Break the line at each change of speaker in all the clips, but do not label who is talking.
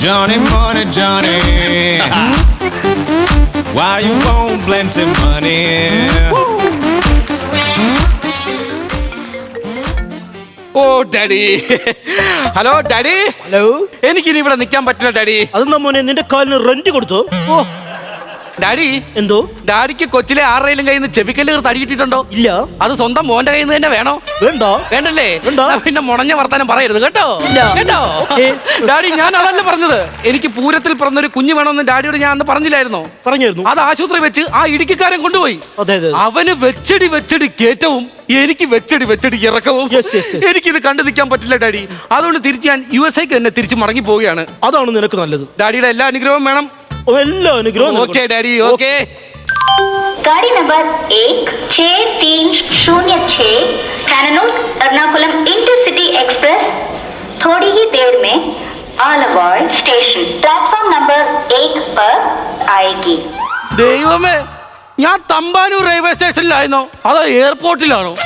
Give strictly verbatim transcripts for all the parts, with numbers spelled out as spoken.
Johnny Money, Johnny. Why you won't plenty money?
ഓ daddy. Hello daddy.
Hello.
എനിക്കിനി ഇവിടെ നിൽക്കാൻ പറ്റില്ല ഡാഡി.
അതെന്താ മോനെ നിന്റെ കാലിന് റെന്റ് കൊടുത്തോ? ഓ
ഡാഡി.
എന്തോ?
ഡാഡിക്ക് കൊച്ചിലെ ആരുടെയും കയ്യിൽ നിന്ന് ചെവിക്കല്ല് തടി കിട്ടിയിട്ടുണ്ടോ?
ഇല്ല.
അത് സ്വന്തം മോന്റെ കയ്യിൽ നിന്ന് തന്നെ വേണോ?
വേണ്ടോ?
വേണ്ടല്ലേ?
വേണ്ടോ?
പിന്നെ മുണഞ്ഞ വർത്താനം പറയരുത് കേട്ടോ. കേട്ടോ ഡാഡി, ഞാൻ അതല്ല പറഞ്ഞത്. എനിക്ക് പൂരത്തിൽ പിറന്നൊരു കുഞ്ഞു വേണമെന്ന് ഡാഡിയോട് ഞാൻ അന്ന് പറഞ്ഞില്ലായിരുന്നോ?
പറഞ്ഞായിരുന്നു.
അത് ആശുപത്രി വെച്ച് ആ ഇടുക്കിക്കാരൻ കൊണ്ടുപോയി.
അതെ അതെ.
അവന് വെച്ചടി വെച്ചടി കേറ്റവും എനിക്ക് വെച്ചടി വെച്ചടി ഇറക്കവും. എനിക്കിത് കണ്ടു നിൽക്കാൻ പറ്റില്ല ഡാഡി. അതുകൊണ്ട് തിരിച്ച് ഞാൻ യു എസ് ഐക്ക് തന്നെ തിരിച്ച് മടങ്ങി പോവുകയാണ്.
അതാണ് നിനക്ക് നല്ലത്.
ഡാഡിയുടെ എല്ലാ അനുഗ്രഹവും വേണം.
എല്ലാ അനുഗ്രഹവും.
Okay daddy. ഓക്കെ.
गाड़ी नंबर एक छः तीन शून्य छः कैननूर एर्नाकुलम इंटरसिटी एक्सप्रेस थोड़ी ही देर में आलवाड़ स्टेशन प्लेटफॉर्म नंबर एक पर आएगी.
ദൈവമേ, ഞാൻ തമ്പാനൂർ റെയിൽവേ സ്റ്റേഷനിലായിരുന്നോ അതോ എയർപോർട്ടിലാണോ?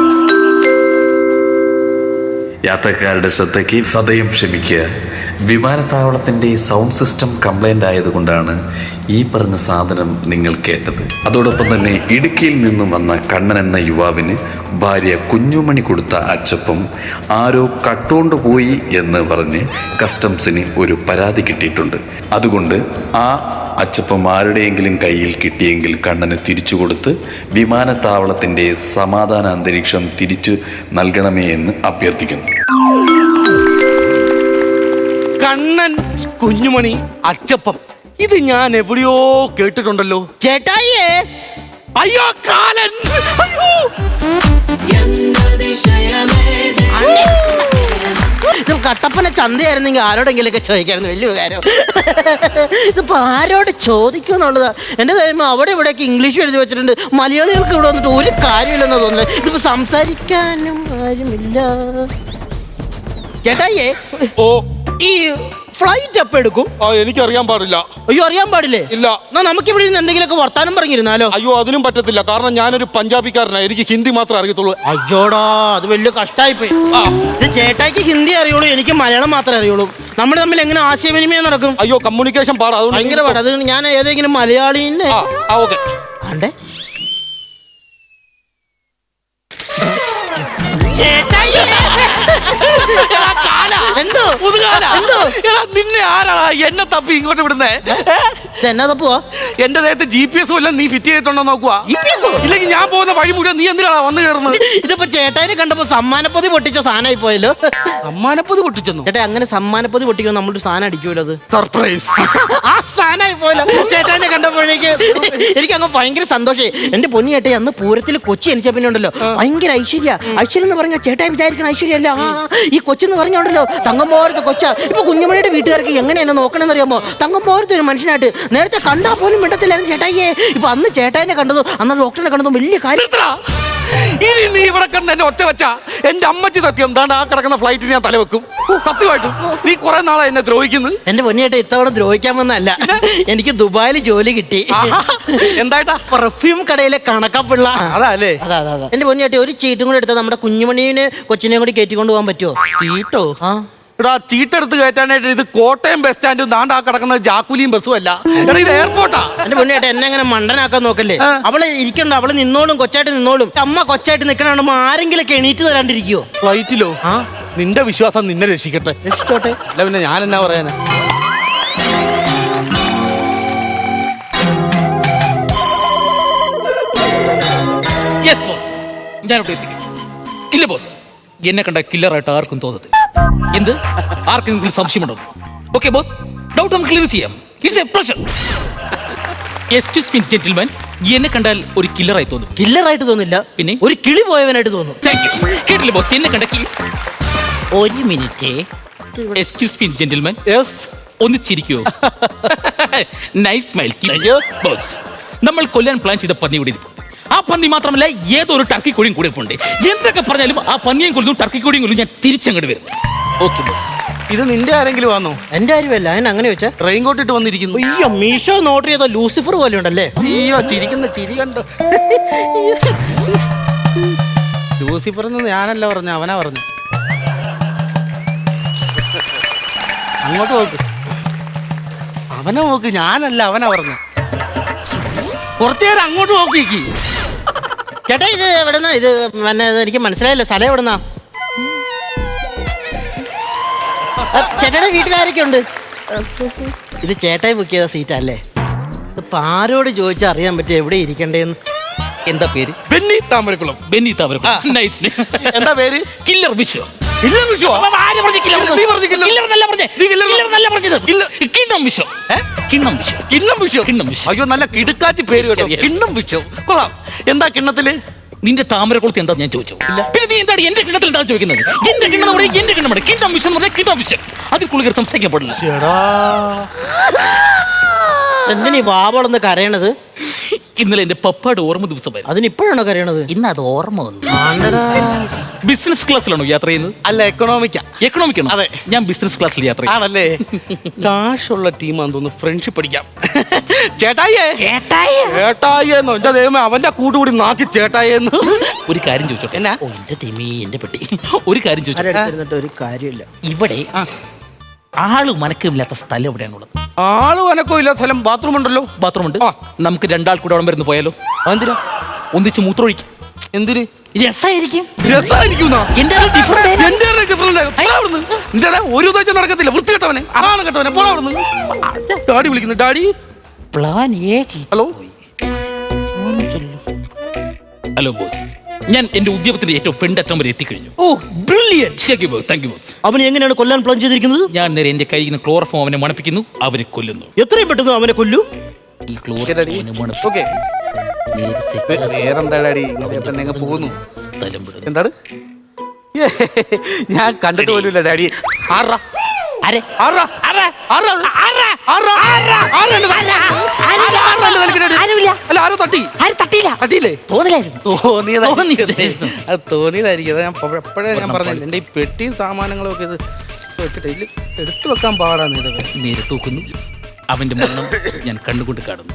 യാത്രക്കാരുടെ ശ്രദ്ധയ്ക്ക് സദയം ക്ഷമിക്കുക. വിമാനത്താവളത്തിന്റെ സൗണ്ട് സിസ്റ്റം കംപ്ലൈന്റ് ആയതുകൊണ്ടാണ് ഈ പറഞ്ഞ സാധനം നിങ്ങൾ കേട്ടത്. അതോടൊപ്പം തന്നെ ഇടുക്കിയിൽ നിന്നും വന്ന കണ്ണൻ എന്ന യുവാവിന് ഭാര്യ കുഞ്ഞുമണി കൊടുത്ത അച്ചപ്പം ആരോ കട്ടുകൊണ്ട് പോയി എന്ന് പറഞ്ഞ് കസ്റ്റംസിന് ഒരു പരാതി കിട്ടിയിട്ടുണ്ട്. അതുകൊണ്ട് ആ അച്ചപ്പം ആരുടെയെങ്കിലും കയ്യിൽ കിട്ടിയെങ്കിൽ കണ്ണന് തിരിച്ചു കൊടുത്ത് വിമാനത്താവളത്തിന്റെ സമാധാന അന്തരീക്ഷം തിരിച്ചു നൽകണമേ എന്ന് അഭ്യർത്ഥിക്കുന്നു.
കണ്ണൻ, കുഞ്ഞുമണി, അച്ചപ്പം, ഇത് ഞാൻ എവിടെയോ കേട്ടിട്ടുണ്ടല്ലോ.
ചേട്ടായിയേ.
അയ്യോ കാലൻ. അയ്യോ.
ഇത് കട്ടപ്പന ചന്തയായിരുന്നെങ്കിൽ ആരോടെങ്കിലും ഒക്കെ ചോദിക്കായിരുന്നു. വലിയ കാര്യം. ഇതിപ്പോ ആരോട് ചോദിക്കും എന്നുള്ളതാ. എന്റെ ദൈവം, അവിടെ ഇവിടെയൊക്കെ ഇംഗ്ലീഷ് എഴുതി വെച്ചിട്ടുണ്ട്. മലയാളികൾക്ക് ഇവിടെ വന്നിട്ട് ഒരു കാര്യമില്ലെന്ന് തോന്നുന്നത്. ഇതിപ്പോ സംസാരിക്കാനും കാര്യമില്ല. ചേട്ടായിയേ.
ഓ.
ഈ ഫ്ലൈറ്റ് എപ്പോ എടുക്കും?
ആ, എനിക്കറിയാൻ പാടില്ല.
അയ്യോ, അറിയാൻ പാടില്ലേ?
ഇല്ല.
എന്നാ നമുക്ക് ഇവിടെ നിന്ന് എന്തെങ്കിലുമൊക്കെ വർത്താനം പറഞ്ഞിരുന്നാലോ?
അയ്യോ, അതിനും പറ്റത്തില്ല. കാരണം ഞാനൊരു പഞ്ചാബിക്കാരനാണ്. എനിക്ക് ഹിന്ദി മാത്രമേ അറിയത്തുള്ളൂ.
അയ്യോടാ, അത് വലിയ കഷ്ടായിപ്പോയി. ഇത് ചേട്ടായിക്ക് ഹിന്ദി അറിയുള്ളൂ, എനിക്ക് മലയാളം മാത്രമേ അറിയുള്ളൂ. നമ്മൾ തമ്മിൽ എങ്ങനെ ആശയവിനിമയം നടക്കും?
അയ്യോ, കമ്മ്യൂണിക്കേഷൻ പാടാ.
ഭയങ്കര പാടാ. അത് ഞാൻ ഏതെങ്കിലും മലയാളീനെ
ഓക്കെ
ആണ്ടേ. എന്തോ എന്തോ
നിന്നെ ആരാടാ എന്നെ തപ്പി ഇങ്ങോട്ട് വിടുന്നേ?
എന്നാ തപ്പുവാ?
എന്റെ ദേഹത്ത് ജി പി എസ് വല്ല നീ ഫിറ്റ് ചെയ്തിട്ടുണ്ടോ നോക്കുവാ. ഇല്ലെങ്കിൽ ഞാൻ പോകുന്ന വഴി മുഴുവൻ നീ എന്തിനാണ് വന്നു കയറുന്നത്?
ഇതിപ്പോ ചേട്ടായിനെ കണ്ടപ്പോ സമ്മാനപ്പൊതി പൊട്ടിച്ച സാധനമായി പോയല്ലോ.
സമ്മാനപ്പൊതി പൊട്ടിച്ചെന്നു?
ചേട്ടാ, അങ്ങനെ സമ്മാനപ്പൊതി പൊട്ടിക്കുമ്പോൾ നമ്മളൊരു സാധനം അടിക്കുമല്ലോ. അത്
സർപ്രൈസ്.
ആ സാധനമായി പോയല്ലോ ചേട്ടായിനെ കണ്ടപ്പോഴേക്ക്. എനിക്ക് അങ്ങ് ഭയങ്കര സന്തോഷമായി. എന്റെ പൊന്നി ചേട്ടായി, അന്ന് പൂരത്തിൽ കൊച്ചി എനിച്ച പിന്നെ ഉണ്ടല്ലോ ഭയങ്കര ഐശ്വര്യ. ഐശ്വര്യം എന്ന് പറഞ്ഞാൽ ചേട്ടായി വിചാരിക്കണം ഐശ്വര്യല്ല. ഈ കൊച്ചെന്ന് പറഞ്ഞോണ്ടല്ലോ തങ്കമ്മോരത്തെ കൊച്ച. ഇപ്പൊ കുഞ്ഞുമണിയുടെ വീട്ടുകാർക്ക് എങ്ങനെ എന്നെ നോക്കണമെന്ന് അറിയാമോ? തങ്കമ്മോരത്തെ ഒരു മനുഷ്യനായിട്ട് നേരത്തെ കണ്ടാൽ പോലും മിണ്ടത്തില്ലായിരുന്നു ചേട്ടായിയെ. ഇപ്പൊ അന്ന് ചേട്ടായിനെ കണ്ടതും അന്ന് ഡോക്ടറിനെ കണ്ടതും വലിയ കാര്യം.
ഇനി നീ ഇവിടെ കണ്ട് എന്നെ ഒറ്റ വെച്ച എന്റെ അമ്മച്ചി സത്യം താണ്ട് ആ കിടക്കുന്ന ഫ്ലൈറ്റിൽ ഞാൻ തലവെക്കും. സത്യമായിട്ടും നീ കുറെ നാളെ എന്നെ ദ്രോഹിക്കുന്നത്.
എന്റെ പൊന്നിയേട്ട ഇത്തവണ ദ്രോഹിക്കാമെന്നല്ല, എനിക്ക് ദുബായിൽ ജോലി കിട്ടി.
എന്തായിട്ടാ?
പെർഫ്യൂം കടയിലെ കണക്കപ്പിള്ള.
അതല്ലേ?
അതെ അതെ അതെ. എന്റെ പൊന്നിയേട്ട ഒരു ചീട്ടും കൂടെ എടുത്താൽ നമ്മുടെ കുഞ്ഞുമണീനെ കൊച്ചിനെയും കൂടി കയറ്റിക്കൊണ്ട് പോകാൻ പറ്റുമോ?
ചീട്ടോ?
ആ
എടാ, ചീട്ടെടുത്ത് കയറ്റാനായിട്ട് ഇത് കോട്ടയം ബസ് സ്റ്റാൻഡും ദാണ്ട് ആ കിടക്കുന്ന ജാക്കുലിയും ബസ്സും അല്ല. എടാ, ഇത് എയർപോർട്ടാ.
എന്റെ പൊന്നിയേട്ട എന്നെ അങ്ങനെ മണ്ടനാക്കാൻ നോക്കല്ലേ. അവള് ഇരിക്കണ്ട, അവള് നിന്നോളും, കൊച്ചായിട്ട് നിന്നോളും. അമ്മ കൊച്ചായിട്ട് നിൽക്കണോ ആരെങ്കിലും എണീറ്റ് തരാണ്ടിരിക്കുവോ
ഫ്ലൈറ്റിലോ? ആ, നിന്റെ വിശ്വാസം നിന്നെ രക്ഷിക്കട്ടെ.
രക്ഷിച്ചോട്ടെ.
അല്ല പിന്നെ ഞാൻ എന്നാ പറയാനാ?
യെസ് ബോസ്, ഞാനിവിടെ എത്തിക്കും. ഇല്ല ബോസ്, എന്നെ കണ്ട കില്ലറായിട്ട് ആർക്കും തോന്നത്തില്ല. എന്ത്? ആർക്കെങ്കിലും സംശയമുണ്ടോ? ഓക്കെ ബോസ്, ഡൗട്ട് നമുക്ക് ക്ലിയർ ചെയ്യാം. It's a pleasure. Excuse me gentleman, എന്നെ കണ്ടാൽ ഒരു കില്ലറായി തോന്നും.
കില്ലറായിട്ട് തോന്നില്ല,
പിന്നെ
ഒരു കിളി പോയവനായിട്ട് തോന്നും.
Thank you. കേട്ടില്ല ബോസ്, എന്നെ കണ്ട ഒരു minute. Excuse me gentleman.
Yes.
ഒന്ന് ചിരിക്കുവോ? Nice smile boss. നമ്മൾ കൊല്ലാൻ പ്ലാൻ ചെയ്ത പന്നി കൂടി ആ പന്നി മാത്രമല്ല ഏതോ ഒരു ടർക്കി കോഴിയും കൂടെ ഉണ്ട്. എന്തൊക്കെ പറഞ്ഞാലും ആ പന്നിയും കൊല്ലും ടർക്കി കോഴിയും കൊല്ലും ഞാൻ തിരിച്ചങ്ങോട്ട് വരും. Okay boss.
ഇത് നിന്റെ ആരെങ്കിലും വന്നോ?
എന്റെ കാര്യമല്ല. ഞാൻ അങ്ങനെ വെച്ചാ
റെയിൻ കോട്ട് ഇട്ട് വന്നിരിക്കുന്നു.
അയ്യോ, മീഷോ നോട്ട് ചെയ്ത ലൂസിഫർ പോലെ ഉണ്ടല്ലേ.
അയ്യോ, ചിരിക്കുന്ന ചിരി കണ്ടോ? ലൂസിഫർ എന്ന് ഞാനല്ല പറഞ്ഞു, അവനാ പറഞ്ഞു. അങ്ങോട്ട് നോക്ക്. അവനെ നോക്ക്, ഞാനല്ല അവനാ പറഞ്ഞു. കുറച്ചു നേരം അങ്ങോട്ട് നോക്കിക്ക്.
ചേട്ടാ ഇത് എവിടെന്നാ ഇത്? പിന്നെ ഇത് എനിക്ക് മനസ്സിലായില്ല, സ്ഥലം എവിടെന്നാ? ചേട്ടയുടെ വീട്ടിലാരൊക്കെ ഉണ്ട്? ഇത് ചേട്ടായി ബുക്ക് ചെയ്ത സീറ്റാ അല്ലേ? ഇപ്പൊ ആരോട് ചോദിച്ചാൽ അറിയാൻ പറ്റും എവിടെ ഇരിക്കണ്ടേന്ന്.
എന്താ പേര്?
Benny Thamarakulam.
Benny Thamarakulam. Nice.
എന്താ പേര്?
കില്ലർ വിശ്വ.
കില്ലർ വിശ്വ?
ആര് പറഞ്ഞു കില്ലർ?
നീ പറഞ്ഞു കില്ലർ.
കില്ലർ എന്നല്ല പറഞ്ഞേ.
നീ കില്ലർ
കില്ലർ എന്നല്ല പറഞ്ഞത്.
കില്ലർ.
കിണ്ണം വിശ്വ. കിണ്ണം വിശ്വ.
കിണ്ണം വിശ്വ.
കിണ്ണം വിശ്വ.
അയ്യോ നല്ല കിടുക്കാച്ചി പേര് കേട്ടോ. കിണ്ണം വിശ്വ കൊള്ളാം. എന്താ കിണ്ണത്തില്?
നിന്റെ താമരക്കുളത്ത് എന്താ ഞാൻ ചോദിച്ചു? പിന്നെ നീ എന്താണ് എന്റെ കിണ്ണത്തിൽ എന്താ ചോദിക്കുന്നത്? എന്റെ കിണ്ണം പറഞ്ഞാൽ എന്റെ കിണ്ണമാണ്. കിണ്ണം വിശ്വം എന്ന് പറഞ്ഞാൽ കിണ്ണം വിശ്വം. അതിൽ കൂടുതൽ സംസാരിക്കാൻ പാടില്ല.
എന്തിനീ വാവളെന്ന് കരയണത്?
ഇന്നലെ എന്റെ പപ്പയുടെ ഓർമ്മ ദിവസമായിരുന്നു.
അതിനിപ്പോഴാണോ കരയണത്?
ഇന്ന് അത് ഓർമ്മ വന്നു.
ആണ്ടടാ.
ബിസിനസ് ക്ലാസ്സിലാണോ യാത്ര ചെയ്യുന്നത്?
അല്ല, എക്കണോമിക്കാ.
എക്കണോമിക് ആണോ?
അതെ.
ഞാൻ ബിസിനസ് ക്ലാസ്സിൽ യാത്ര ചെയ്യും.
ആണല്ലേ? കാശുള്ള ടീമാന്ന് തോന്നുന്നു. ഫ്രണ്ട്ഷിപ്പ് പഠിക്കാം. ചേട്ടായിയേ ചേട്ടായിയെന്നോ എന്റെ ദൈവമേ, അവന്റെ കൂട്ടുകൂടി നാക്കി ചേട്ടായിന്ന്.
ഒരു കാര്യം ചോദിച്ചോട്ടെ.
എന്നാ?
ഓ എന്റെ തെമി എന്റെ പെട്ടി. ഒരു കാര്യം ചോദിച്ചോട്ടെ.
ആരെടുത്തിരുന്നിട്ട് ഒരു കാര്യമില്ല.
ഇവിടെ ആള് മനക്കമില്ലാത്ത സ്ഥലം എവിടെയാണുള്ളത്?
ആള് വനക്കോ ഇല്ല സ്ഥലം. ബാത്റൂം ഉണ്ടല്ലോ.
ബാത്റൂം ഉണ്ട്.
ആ.
നമുക്ക് രണ്ടാൾ കൂടെ അവിടെ വരുന്നു പോയാലോ?
എന്തിനാ?
ഒന്നിച്ച് മൂത്രമൊഴിക്കും.
എന്തിന്?
രസായിരിക്കും.
രസമായിരിക്കും.
എന്റെ
ഒരു ഉദ്ദേശം നടക്കത്തില്ല. വൃത്തി കേട്ടവനെ, അതാണ് കേട്ടവനെ. പോടാ അവിടുന്ന്. ഡാഡി വിളിക്കുന്നു. Daddy.
Plan A.
Hello.
Hello boss, ഞാൻ എന്റെ ഉദ്യമത്തിന്റെ ഏറ്റവും ഫ്രണ്ട് അറ്റം വരെ എത്തിക്കഴിഞ്ഞു.
Oh brilliant.
Thank you boss. Thank you boss.
അവനെ എങ്ങനെയാണ് കൊല്ലാൻ പ്ലാൻ ചെയ്തിരിക്കുന്നത്?
ഞാൻ നേരെ എന്റെ കയ്യിൽ നിന്ന് ക്ലോറോഫോം അവനെ മണപ്പിക്കുന്നു, അവനെ കൊല്ലുന്നു.
എത്രയും പെട്ടെന്ന് അവനെ കൊല്ലു.
ഈ ക്ലോറോഫോം
ഓക്കെ. വേറെന്താ ഡാഡി? ഇങ്ങനെ തന്നെ അങ്ങ് പോകുന്നു. എന്താണ്? ഞാൻ കണ്ടിട്ട് പോലുമില്ല ഡാഡി. ആറാ
അരെ
ആറാ ആറാ ആറാ ആറാ ആറാ ആറാ അല്ല, ആരോ തട്ടി.
ആരും തട്ടിയില്ല.
തട്ടിയില്ലേ?
തോന്നില്ലായിരുന്നു.
തോന്നിയതായിരിക്കും. അത് തോന്നിയതായിരിക്കും. അത് ഞാൻ എപ്പോഴേ ഞാൻ പറഞ്ഞില്ല. എൻ്റെ ഈ പെട്ടിയും സാമാനങ്ങളും ഒക്കെ ഇത് വെച്ചിട്ട് ഇതിൽ എടുത്തു വെക്കാൻ പാടാണ്. ഇതൊക്കെ
നേരെ തൂക്കുന്നു. അവന്റെ മരണം ഞാൻ കണ്ടുകൊണ്ട് കാണുന്നു.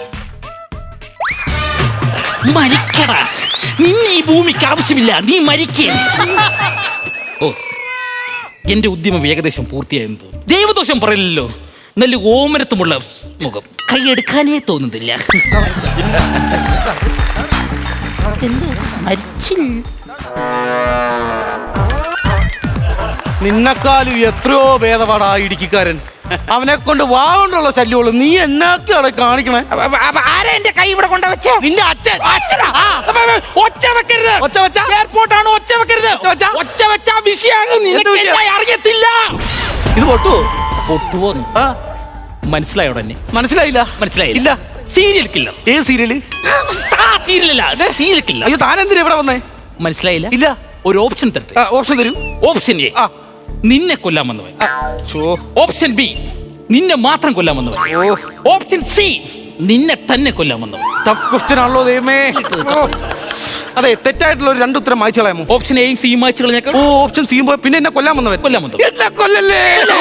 മരിക്കടാ, നിന്നെ ഈ ഭൂമിക്ക് ആവശ്യമില്ല. നീ മരിക്കേ. ഓസ്, എന്റെ ഉദ്യമം ഏകദേശം പൂർത്തിയായെന്ന് തോന്നുന്നു. ദൈവദോഷം പറയില്ലല്ലോ. നല്ല ഓമനത്തുമുള്ള മുഖം, കൈയെടുക്കാനേ തോന്നുന്നില്ല.
നിന്നെക്കാളും എത്രയോ ഭേദപാടാ ഇടുക്കിക്കാരൻ. അവനെ കൊണ്ട് വാകൊണ്ടുള്ള ശല്യമുള്ളൂ. നീ എന്നാക്കാണ് കാണിക്കണേ?
ആരാ എന്റെ കൈ ഇവിടെ കൊണ്ട വെച്ച?
നിന്റെ അച്ഛൻ.
അച്ഛനാ? ഒച്ച വെക്കരുത്.
ഒച്ച വെച്ച
എയർപോർട്ടാണ്. ഒച്ച വെക്കരുത്. ഒച്ച വെച്ച വിഷയാണ്. നിനക്ക് എന്നെ അറിയത്തില്ല.
ഇത് പൊട്ടുവോ?
പൊട്ടുവോ?
ആ
മനസ്സിലായോടെ? എന്നെ
മനസ്സിലായില്ല.
മനസ്സിലായില്ല.
ഇല്ല.
Serial killer.
ഏത് സീരിയല്?
സീരിയലല്ല, സീരിയൽ കില്ലർ.
അയ്യോ, താനെന്തിനാ ഇവിടെ വന്നേ?
മനസ്സിലായില്ല.
ഇല്ല.
ഒരു ഓപ്ഷൻ തരട്ടെ?
ഓപ്ഷൻ തരൂ.
ഓപ്ഷൻ എ,
ആ.
നിന്നെ കൊല്ലാൻ വന്നവൻ. ഓപ്ഷൻ ബി, നിന്നെ മാത്രം കൊല്ലാൻ വന്നവൻ. ഓപ്ഷൻ സി, നിന്നെ തന്നെ കൊല്ലാൻ വന്നവൻ.
ടഫ് ക്വസ്റ്റ്യൻ ആണല്ലോ ദൈവമേ. അതെ, തെറ്റായിട്ടുള്ള ഒരു രണ്ട് ഉത്തരം വായിച്ചു കളയാമോ?
ഓപ്ഷൻ എയും സിയും വായിച്ചു കളഞ്ഞേക്കാം.
ഓ, ഓപ്ഷൻ സി പിന്നെ എന്നെ കൊല്ലാൻ വന്നവൻ.
കൊല്ലാൻ വന്നവൻ.
എന്നെ കൊല്ലല്ലേ.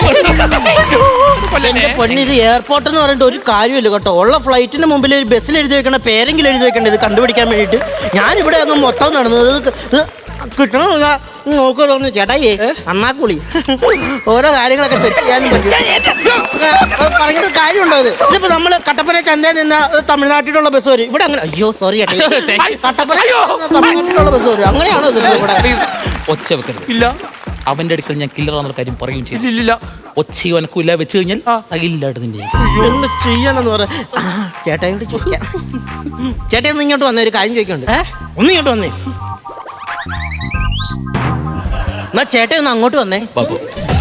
എന്റെ പൊന്നിത് എയർപോർട്ട് എന്ന് പറഞ്ഞിട്ട് ഒരു കാര്യമില്ല കേട്ടോ. ഉള്ള ഫ്ലൈറ്റിന് മുമ്പിൽ ഒരു ബസ്സിൽ എഴുതി വെക്കണ പേരെങ്കിലും എഴുതി വെക്കണ്ട ഇത് കണ്ടുപിടിക്കാൻ വേണ്ടിയിട്ട്. ഞാനിവിടെ അങ്ങ് മൊത്തം നടന്നത് കിട്ടണമെന്ന നോക്കണമെന്ന്. ചേട്ടായി അണ്ണാക്കുളി ഓരോ കാര്യങ്ങളൊക്കെ സെറ്റ് ചെയ്യാനും പറ്റും. പറഞ്ഞത് കാര്യമുണ്ടോ? ഇത് ഇതിപ്പോ നമ്മള് കട്ടപ്പന ചന്തയിൽ നിന്ന് തമിഴ്നാട്ടിലുള്ള ബസ് വരും ഇവിടെ. അങ്ങനെ അയ്യോ സോറി ചേട്ടാ, കട്ടപ്പന തമിഴ്നാട്ടിലുള്ള ബസ് വരും. അങ്ങനെയാണോ ഇത് ഇവിടെ?
ഒച്ച വെക്കരുത്.
ഇല്ല.
അവന്റെ അടുക്കൽ ഞാൻ കില്ലറാന്നുള്ള കാര്യം പറയുകയും ചെയ്തു.
ഇല്ല.
ഒച്ചയും അനക്കില്ല വെച്ച് കഴിഞ്ഞാൽ സൈലന്റായിട്ട് നിന്നെ
എന്ത് ചെയ്യണമെന്ന് പറ. ചേട്ടായോട് ചോദിക്കാം. ചേട്ടാ ഒന്ന് ഇങ്ങോട്ട് വന്നേ, ഒരു കാര്യം ചോദിക്കണ്ട്. ഒന്ന് ഇങ്ങോട്ട് വന്നേ. എന്നാ ചേട്ടാ ഒന്ന് അങ്ങോട്ട് വന്നേ.
ബാബു,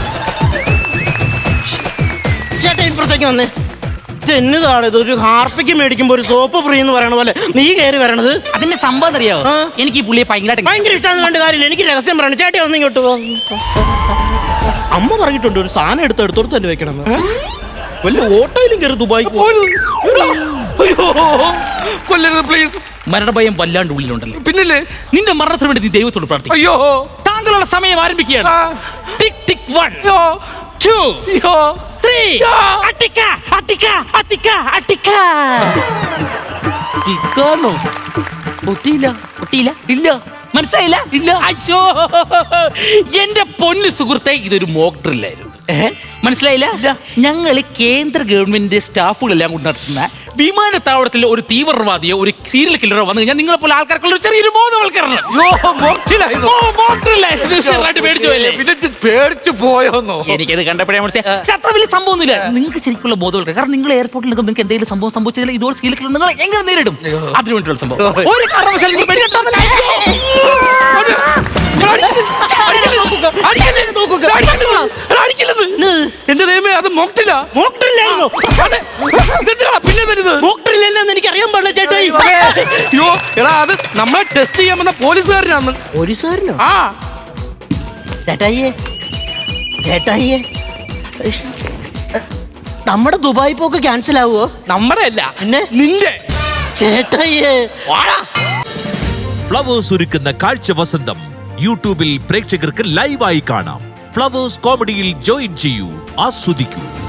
ചേട്ടാ ഇപ്പുറത്തേക്ക് വന്നേ. എന്നതാണ് ഇത്? ഒരു ഹാർപ്പിക്ക് മേടിക്കുമ്പോ ഒരു സോപ്പ് ഫ്രീ എന്ന് പറയണ പോലെ നീ കയറി വരണത്.
അതിന്റെ സംഭവം അറിയാവോ?
ആ.
എനിക്ക് ഈ പുള്ളിയെ ഭയങ്കര
ഭയങ്കര ഇഷ്ടമാണെന്ന് കണ്ട കാര്യമില്ല. എനിക്ക് രഹസ്യം പറയണം. ചേട്ടാ ഒന്ന് ഇങ്ങോട്ട് പോ. അമ്മ പറഞ്ഞിട്ടുണ്ട് ഒരു സാധനം എടുത്ത് എടുത്തോടത്ത് തന്നെ വെക്കണം. വല്ല ഓട്ടോയിലും കയറി ദുബായി
കൊല്ലരുത് പ്ലീസ്.
മരണഭയം വല്ലാണ്ട് ഉള്ളിലുണ്ടല്ലോ.
പിന്നില്ലേ?
നിന്റെ മരണത്തിന് വേണ്ടി നീ ദൈവത്തോട് പ്രാർത്ഥിക്കും.
അയ്യോ,
താങ്കളുള്ള സമയം ആരംഭിക്കുകയാണ്. ടിക് ടിക് വൺ,
അയ്യോ,
ടു,
അയ്യോ,
ത്രീ. അട്ടിക്ക അട്ടിക്ക അട്ടിക്ക അട്ടിക്ക.
ടിക്കാന്നോ?
പൊട്ടിയില്ല. പൊട്ടിയില്ല.
ഇല്ല.
മനസ്സിലായില്ല? ഇല്ല. അയ്യോ, എന്റെ പൊന്നു സുഹൃത്തെ, ഇതൊരു മോക്ക് ഡ്രില്ലായിരുന്നു. മനസ്സിലായില്ല? ഞങ്ങൾ കേന്ദ്ര ഗവൺമെന്റ് സ്റ്റാഫുകളെല്ലാം കൊണ്ട് നടത്തുന്ന വിമാനത്താവളത്തിൽ ഒരു തീവ്രവാദിയോ ഒരു സീരിയൽ കില്ലറോ വന്നു കഴിഞ്ഞാൽ നിങ്ങളെ പോലെ ആൾക്കാർക്കുള്ള ഒരു ചെറിയൊരു ബോധവൽക്കരണം. പേടിച്ചു പോയല്ലേ?
പിന്നെ ഇത് പേടിച്ചു പോയോന്നോ?
എനിക്കത് കണ്ടപ്പോഴേ പക്ഷെ അത്ര വലിയ സംഭവമൊന്നുമില്ല. നിങ്ങൾക്ക് ശരിക്കുള്ള ബോധവൽക്കരണം. കാരണം നിങ്ങൾ എയർപോർട്ടിൽ നിൽക്കുമ്പോൾ നിങ്ങൾക്ക് എന്തെങ്കിലും സംഭവം സംഭവിച്ചാൽ ഇതോടെ സീരിയൽ കില്ലർ നിങ്ങൾ എങ്ങനെ നേരിടും? അതിനു വേണ്ടിയുള്ള സംഭവം ഒരു കാരണവശാലും നിങ്ങൾ പേടിക്കണ്ട.
എന്റെ ദൈവമേ, അത് മോക്ടില്ല.
മോക്ടറിലായിരുന്നു.
പിന്നെ തരുന്നത്
മോക്ടറില്ലെന്ന് എനിക്ക് അറിയാൻ പാടില്ല ചേട്ടായി.
അയ്യോ എടാ, അത് നമ്മളെ ടെസ്റ്റ് ചെയ്യാൻ വന്ന പോലീസുകാരനാണ്.
പോലീസുകാരനോ?
ആ
ചേട്ടായിയെ ചേട്ടായിയെ നമ്മുടെ ദുബായ് പോക്ക് ക്യാൻസൽ ആവുമോ?
നമ്മുടെ അല്ല,
പിന്നെ
നിന്റെ.
ചേട്ടായിയെ
ഫ്ലവേഴ്സ് ഒരുക്കുന്ന കാഴ്ച വസന്തം യൂട്യൂബിൽ പ്രേക്ഷകർക്ക് ലൈവായി കാണാം. ഫ്ലവേഴ്സ് കോമഡിയിൽ ജോയിൻ ചെയ്യൂ, ആസ്വദിക്കൂ.